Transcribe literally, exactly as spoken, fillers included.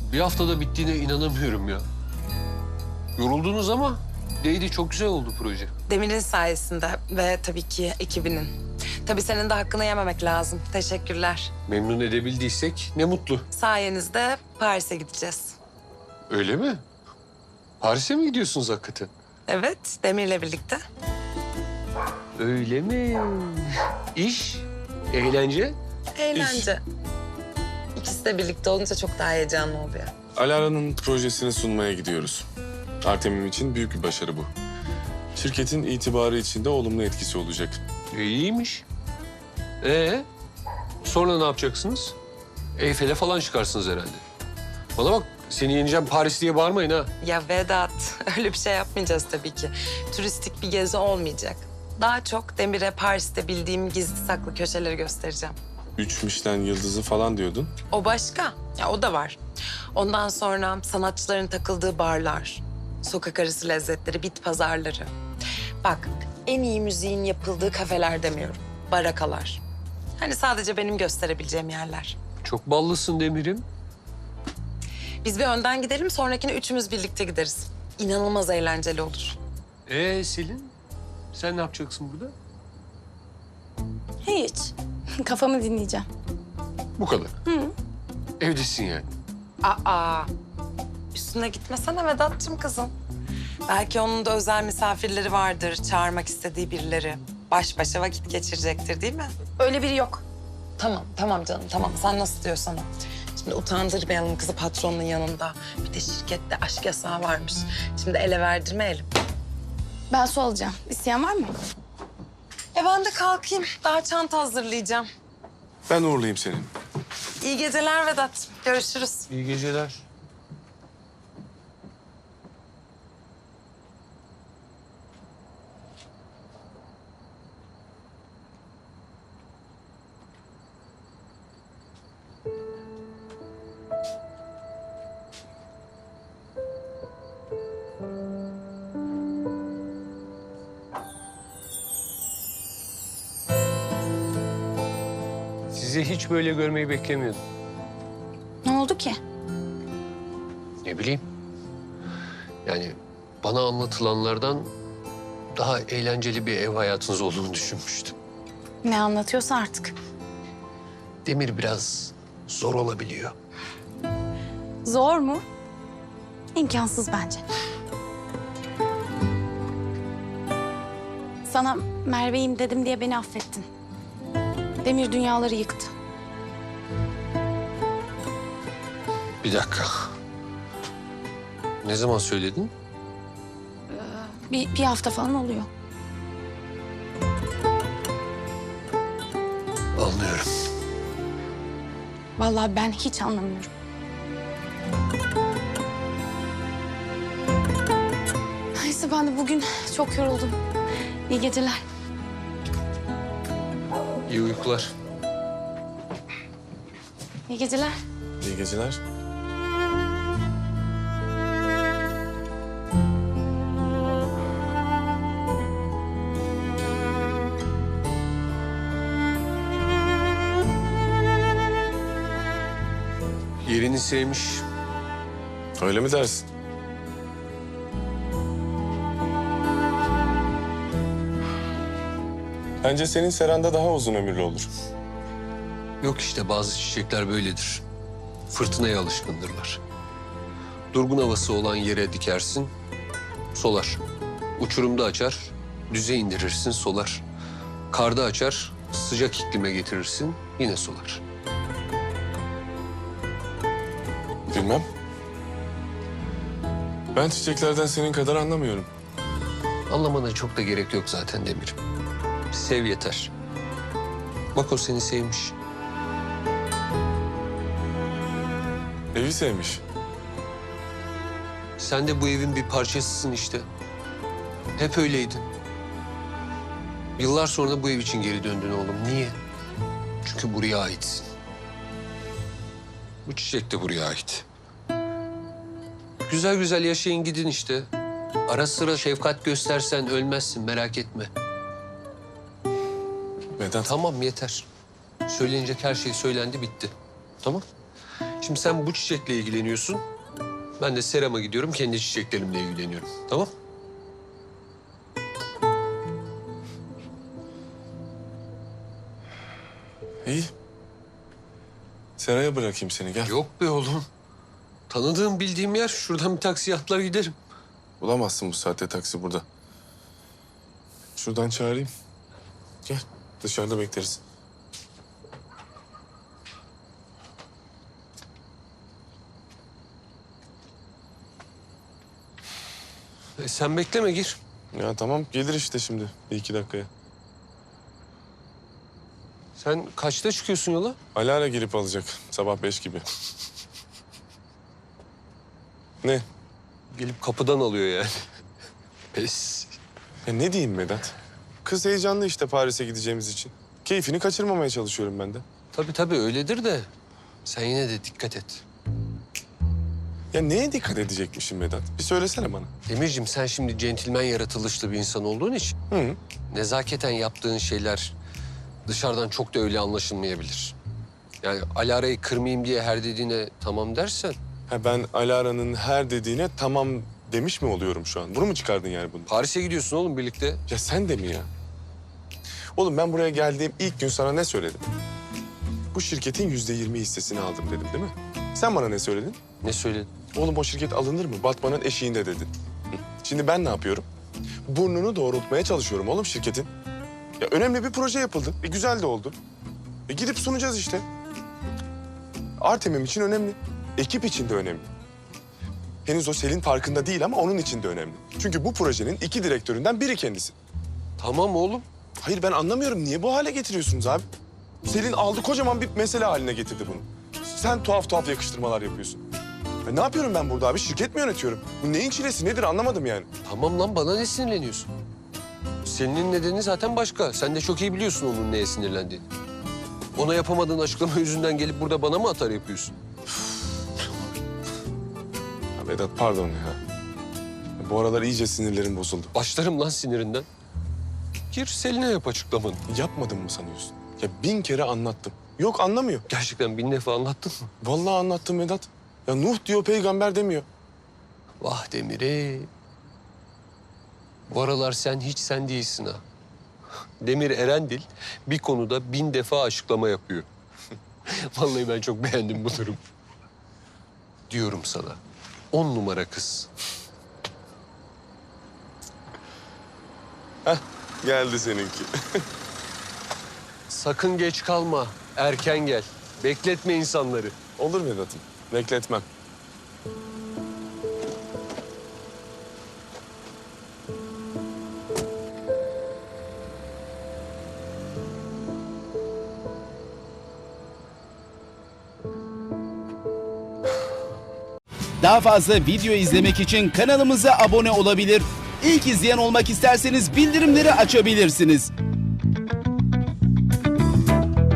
Bir haftada bittiğine inanamıyorum ya. Yoruldunuz ama değdi, çok güzel oldu proje. Demir'in sayesinde ve tabii ki ekibinin. Tabii senin de hakkını yememek lazım. Teşekkürler. Memnun edebildiysek ne mutlu. Sayenizde Paris'e gideceğiz. Öyle mi? Paris'e mi gidiyorsunuz hakikaten? Evet, Demir'le birlikte. Öyle mi? İş, eğlence. Eğlence. İkisi de birlikte olunca çok daha heyecanlı oluyor. Alara'nın projesini sunmaya gidiyoruz. Artemim için büyük bir başarı bu. Şirketin itibarı için de olumlu etkisi olacak. E, iyiymiş. Ee, sonra ne yapacaksınız? Eyfel'e falan çıkarsınız herhalde. Bana bak, seni yeneceğim Paris diye bağırmayın ha. Ya Vedat, öyle bir şey yapmayacağız tabii ki. Turistik bir gezi olmayacak. Daha çok Demir'e Paris'te bildiğim gizli saklı köşeleri göstereceğim. Üç Michelin yıldızı falan diyordun. O başka. Ya o da var. Ondan sonra sanatçıların takıldığı barlar, sokak arası lezzetleri, bit pazarları. Bak, en iyi müziğin yapıldığı kafeler demiyorum. Barakalar. Hani sadece benim gösterebileceğim yerler. Çok ballısın Demir'im. Biz bir önden gidelim, sonrakine üçümüz birlikte gideriz. İnanılmaz eğlenceli olur. Ee Selin, sen ne yapacaksın burada? Hiç. Kafamı dinleyeceğim. Bu kadar. Hı. Evdesin yani. Aa, üstüne gitmesene Vedat'cığım kızım. Belki onun da özel misafirleri vardır, çağırmak istediği birileri. Baş başa vakit geçirecektir değil mi? Öyle biri yok. Tamam, tamam canım, tamam. Sen nasıl diyorsan o. Şimdi utandırmayalım kızı patronun yanında. Bir de şirkette aşk yasağı varmış. Şimdi ele verdirmeyelim. Ben su alacağım. İsteyen var mı? E ben de kalkayım. Daha çanta hazırlayacağım. Ben uğurlayayım seni. İyi geceler Vedat. Görüşürüz. İyi geceler. Sizi hiç böyle görmeyi beklemiyordum. Ne oldu ki? Ne bileyim. Yani bana anlatılanlardan daha eğlenceli bir ev hayatınız olduğunu düşünmüştüm. Ne anlatıyorsa artık. Demir biraz zor olabiliyor. Zor mu? İmkansız bence. Sana Merve'yim dedim diye beni affettin. Demir dünyaları yıktı. Bir dakika. Ne zaman söyledin? Bir, bir hafta falan oluyor. Anlıyorum. Vallahi ben hiç anlamıyorum. Neyse ben de bugün çok yoruldum. İyi geceler. İyi uykular. İyi geceler. İyi geceler. Yerini sevmiş. Öyle mi dersin? Bence senin seranda daha uzun ömürlü olur. Yok işte, bazı çiçekler böyledir. Fırtınaya alışkındırlar. Durgun havası olan yere dikersin, solar. Uçurumda açar, düze indirirsin, solar. Karda açar, sıcak iklime getirirsin, yine solar. Bilmem. Ben çiçeklerden senin kadar anlamıyorum. Anlamana çok da gerek yok zaten Demir'im. Sev yeter. Bak o seni sevmiş. Evi sevmiş. Sen de bu evin bir parçasısın işte. Hep öyleydin. Yıllar sonra bu ev için geri döndün oğlum. Niye? Çünkü buraya aitsin. Bu çiçek de buraya ait. Güzel güzel yaşayın gidin işte. Ara sıra şefkat göstersen ölmezsin, merak etme. Vedat. Tamam yeter. Söylenecek her şey söylendi, bitti. Tamam. Şimdi sen bu çiçekle ilgileniyorsun. Ben de serama gidiyorum, kendi çiçeklerimle ilgileniyorum. Tamam? İyi. Seraya bırakayım seni, gel. Yok be oğlum. Tanıdığım, bildiğim yer. Şuradan bir taksi atlar giderim. Bulamazsın bu saatte taksi burada. Şuradan çağırayım. Gel, dışarıda bekleriz. E, sen bekleme, gir. Ya tamam, gelir işte şimdi bir iki dakikaya. Sen kaçta çıkıyorsun yola? Alara gelip alacak sabah beş gibi. Ne? Gelip kapıdan alıyor yani. Pes. Ya ne diyeyim Vedat? Kız heyecanlı işte Paris'e gideceğimiz için. Keyfini kaçırmamaya çalışıyorum ben de. Tabii tabii öyledir de sen yine de dikkat et. Ya neye dikkat edecekmişim Vedat? Bir söylesene bana. Demirciğim, sen şimdi centilmen yaratılışlı bir insan olduğun için Hı. nezaketen yaptığın şeyler dışarıdan çok da öyle anlaşılmayabilir. Yani Alara'yı kırmayayım diye her dediğine tamam dersen Ha ben Alara'nın her dediğine tamam demiş mi oluyorum şu an? Bunu mu çıkardın yani bunu? Paris'e gidiyorsun oğlum birlikte. Ya sen de mi ya? Oğlum ben buraya geldiğim ilk gün sana ne söyledim? Bu şirketin yüzde yirmi hissesini aldım dedim değil mi? Sen bana ne söyledin? Ne söyledin? Oğlum o şirket alınır mı? Batmanın eşiğinde dedin. Hı. Şimdi ben ne yapıyorum? Burnunu doğrultmaya çalışıyorum oğlum şirketin. Ya önemli bir proje yapıldı. E güzel de oldu. E gidip sunacağız işte. Artemim için önemli. Ekip için de önemli. Henüz o Selin farkında değil ama onun için de önemli. Çünkü bu projenin iki direktöründen biri kendisi. Tamam oğlum. Hayır ben anlamıyorum. Niye bu hale getiriyorsunuz abi? Selin aldı kocaman bir mesele haline getirdi bunu. Sen tuhaf tuhaf yakıştırmalar yapıyorsun. Ya ne yapıyorum ben burada abi? Şirket mi yönetiyorum? Bu neyin çilesi nedir anlamadım yani. Tamam lan, bana ne sinirleniyorsun? Senin nedeni zaten başka. Sen de çok iyi biliyorsun onun neye sinirlendiğini. Ona yapamadığın açıklama yüzünden gelip burada bana mı atar yapıyorsun? Ya Vedat pardon ya. Ya bu aralar iyice sinirlerim bozuldu. Başlarım lan sinirinden. Gir Selin'e yap açıklamanı. Yapmadın mı sanıyorsun? Ya bin kere anlattım. Yok anlamıyor. Gerçekten bin defa anlattın mı? Vallahi anlattım Vedat. Ya Nuh diyor peygamber demiyor. Vah Demir'e. Bu aralar sen hiç sen değilsin ha. Demir Erendil bir konuda bin defa açıklama yapıyor. Vallahi ben çok beğendim bu durum. Diyorum sana. On numara kız. Heh geldi seninki. Sakın geç kalma. Erken gel. Bekletme insanları. Olur Vedat'ım. Bekletmem. Daha fazla video izlemek için kanalımıza abone olabilir. İlk izleyen olmak isterseniz bildirimleri açabilirsiniz.